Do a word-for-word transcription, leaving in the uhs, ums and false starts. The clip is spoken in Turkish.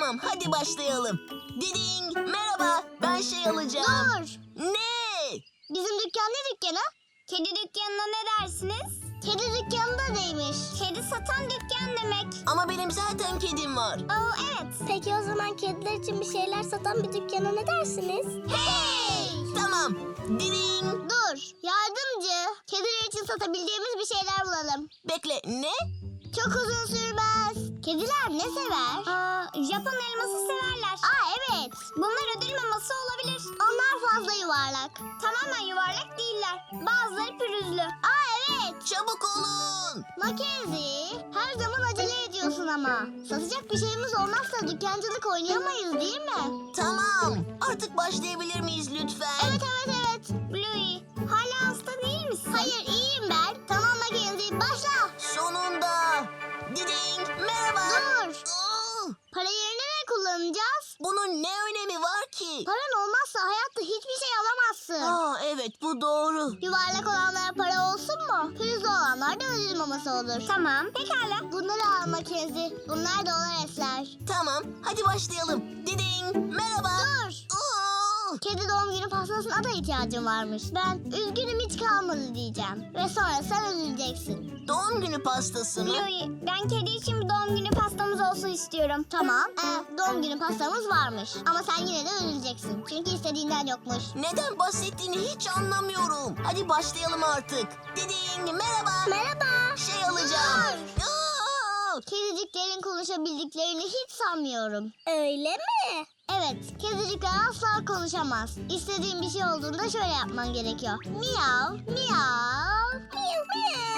Tamam, hadi başlayalım. Diding, merhaba. Ben şey alacağım. Dur. Ne? Bizim dükkan ne dükkanı? Kedi dükkanına ne dersiniz? Kedi dükkanı da neymiş? Kedi satan dükkan demek. Ama benim zaten kedim var. Aa, evet. Peki o zaman kediler için bir şeyler satan bir dükkana ne dersiniz? Hey! Tamam. Diding. Dur. Yardımcı. Kediler için satabileceğimiz bir şeyler bulalım. Bekle, ne? Çok uzun sürmez. Kediler ne sever? Aa, Japon elması severler. Aa, evet. Bunlar ödül maması olabilir. Onlar fazla yuvarlak. Tamamen yuvarlak değiller. Bazıları pürüzlü. Aa, evet. Çabuk olun. Mackenzie, her zaman acele ediyorsun ama. Satacak bir şeyimiz olmazsa dükkancılık oynayamayız değil mi? Tamam. Artık başlayabilir miyiz lütfen? Evet, evet, evet. Bluey, hala hasta değil misin? Hayır, iyiyim ben. Tamam Mackenzie, başla. Sonunda. Diding, merhaba. Dur. Aa, Para yerine ne kullanacağız? bunun ne önemi var ki? Paran olmazsa hayatta hiçbir şey alamazsın. Aa, evet, bu doğru. Yuvarlak olanlara para olsun mu? Pürüzlü olanlar da ödül maması olur. Tamam, pekala. Bunları al Mackenzie. Bunlar dolar esler. Tamam, hadi başlayalım. Diding, merhaba. Dur. Aa, Kedi doğum günü pastasına da ihtiyacım varmış. Ben üzgünüm hiç kalmadı diyeceğim. Ve sonra sen üzüleceksin. doğum günü pastası mı? Bluey, ben kedi için bir doğum günü pastamız olsun istiyorum. Tamam. Ee, doğum günü pastamız varmış. Ama sen yine de üzüleceksin. Çünkü istediğinden yokmuş. Neden bahsettiğini hiç anlamıyorum. Hadi başlayalım artık. Diding, merhaba. Merhaba. Şey alacağım. Aa, Kediciklerin konuşabildiklerini hiç sanmıyorum. Öyle mi? Evet, kedicikler asla konuşamaz. İstediğin bir şey olduğunda şöyle yapman gerekiyor. Miyav, miyav. Miyav miyav.